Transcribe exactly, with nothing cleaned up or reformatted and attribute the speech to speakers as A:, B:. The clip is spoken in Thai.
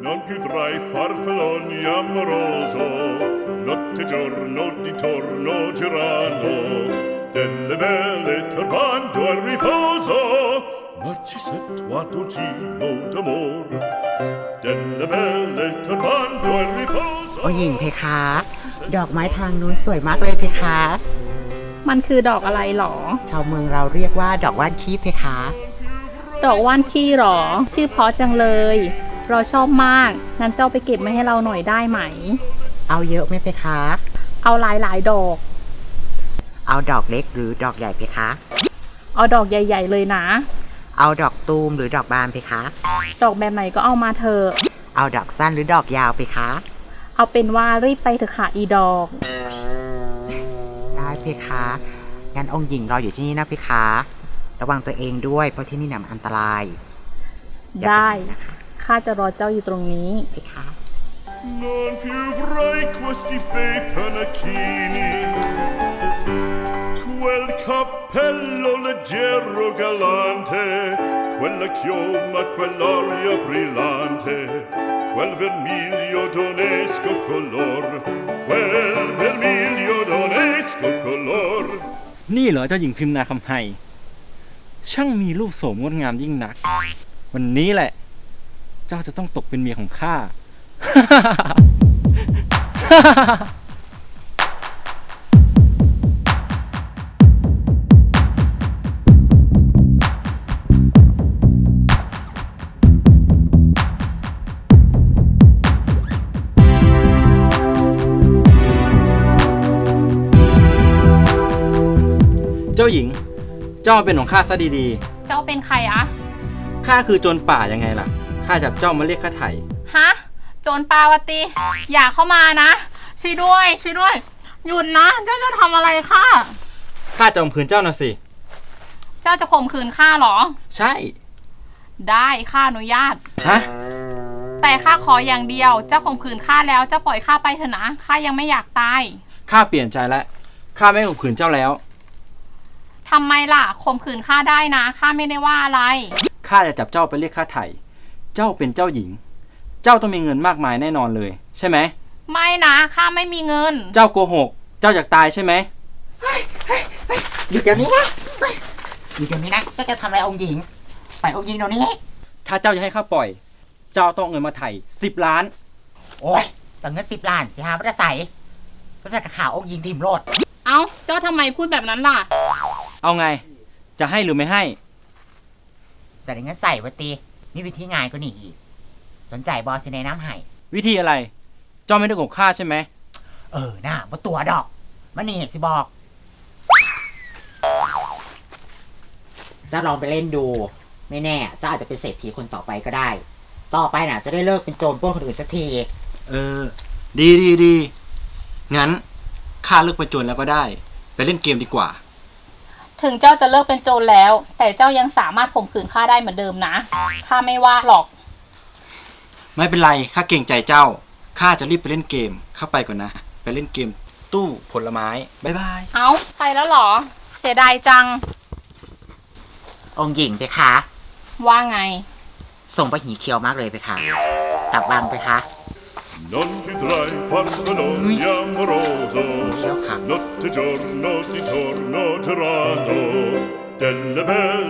A: Non più tra i farfalloni amoroso, notte e giorno di torno girando, delle belle turbando al riposo, Narcisetto a dolcino d'amor, delle belle turbando al riposo.
B: โอ้หญิงเพคะ ดอกไม้ทางนู้นสวยมากเลยเพคะ
C: มันคือดอกอะไรหรอ
B: ชาวเมืองเราเรียกว่าดอกว่านขี้เพคะ
C: ดอกว่านขี้หรอ ชื่อเพราะจังเลย เราชอบมาก งั้นเจ้าไปเก็บมาให้เราหน่อยได้ไหม
B: เอาเยอะไหมเพคะ
C: เอาหลายหลายๆดอก
B: เอาดอกเล็กหรือดอกใหญ่เพคะ
C: เอาดอกใหญ่ ๆ เลยนะ
B: เอาดอกตูมหรือดอกบานเพคะ
C: ดอกแบบไหนก็เอามาเถอะ
B: เอาดอกสั้นหรือดอกยาวเพคะ
C: เอาเป็นว่ารีบไปเถอะค่ะอีดอก
B: ได้เพคะ งั้นองค์หญิงรออยู่ที่นี่นะเพคะ ระวังตัวเองด้วยเพราะที่นี่น่ะมันอันตรายอย่า
C: ได้
B: ปนะคะ
C: ข้าจะรอเจ้าอยู่ตรงนี้
B: เพคะ
A: Non più avrai questi bei panacchini, quel cappello leggero galante, quella chioma, quell'aria brillante, quel vermiglio d'onesco color, quel vermiglio d'onesco color.
D: นี่เหรอเจ้าหญิงพิมนาคำไฮช่างมีรูปโสมงดงามยิ่งนัก วันนี้แหละ เจ้าจะต้องตกเป็นเมียของข้า เจ้าหญิง เจ้าเป็นของข้าซะดี
C: เจ้าเป็นใครอะ
D: ๆ ข้าคือโจรป่ายังไงล่ะ ข้าจับเจ้ามาเรียกค่าไถ่
C: ฮะ โจรปาวตี อย่าเข้ามานะ ช่วยด้วย ช่วยด้วย หยุดนะ เจ้าจะทำอะไรข้า
D: ข้าจะข่มขืนเจ้าน่ะสิ
C: เจ้าจะข่มขืนข้าเหรอ
D: ใช่
C: ได้ข้าอนุญาต
D: ฮะ
C: แต่ข้าขออย่างเดียว เจ้าข่มขืนข้าแล้ว เจ้าปล่อยข้าไปเถอะนะ ข้ายังไม่อยากตาย
D: ข้าเปลี่ยนใจแล้ว ข้าไม่ข่มขืนเจ้าแล้ว
C: ทำไมล่ะ ข่มขืนข้าได้นะ ข้าไม่ได้ว่าอะไร
D: ข้าจะจับเจ้าไปเรียกค่าไถ่ เจ้าเป็นเจ้าหญิง เจ้าต้องมีเงินมากมายแน่นอนเลย ใช่ไหม
C: ไม่นะ ข้าไม่มีเงิน
D: เจ้าโกหก เจ้าอยากตายใช่ไหม
B: หยุดเดี๋ยวนี้นะเฮ้ยหยุดเดี๋ยวนี้นะเจ้าจะทำอะไรองค์หญิงปล่อยองค์หญิงเดี๋ยวนี้
D: ถ้าเจ้าจะให้ข้าปล่อย เจ้าต้องเอาเงินมาไถ่สิบล้าน
B: โอ้ยแต่เงินสิบล้านสิฮะไม่ได้ใส่ก็ใส่กับข่าวองค์หญิงทีมโลด
C: เอ้า เจ้าทำไมพูดแบบนั้นล่ะ
D: เอาไง จะให้หรือไม่ให้
B: แต่ในเงินใส่วะตีมีวิธีง่ายกว่านี้อีก สนใจบอสในน้ำไห้
D: วิธีอะไร เจ้าไม่ได้โกงข้าใช่ไหม
B: เออน่าว่าตัวดอกมันนี่สิบอก จะลองไปเล่นดู ไม่แน่เจ้าอาจจะเป็นเศรษฐีคนต่อไปก็ได้ ต่อไปน่ะ จะได้เลิกเป็นโจรปล้นคนอื่นสักที
D: เออ ดีดีดีงั้นข้าเลิกเป็นโจรแล้วก็ได้ ไปเล่นเกมดีกว่า
C: ถึงเจ้าจะเลิกเป็นโจรแล้ว แต่เจ้ายังสามารถข่มขืนข้าได้เหมือนเดิมนะ ข้าไม่ว่าหรอก
D: ไม่เป็นไร ข้าเกรงใจเจ้า ข้าจะรีบไปเล่นเกม ข้าไปก่อนนะ ไปเล่นเกม ตู้ผลไม้ บ๊ายบาย
C: เอ้า ไปแล้วเหรอ เสียดายจัง
B: องค์หญิงไปคะ
C: ว่าไง
B: ส่งไปหีเคียวมากเลยไปคะกลับวังไปคะ
A: Non più tra i farfalloni amoroso,
B: Anch'io canto.
A: notte e giorno di torno girando, delle belle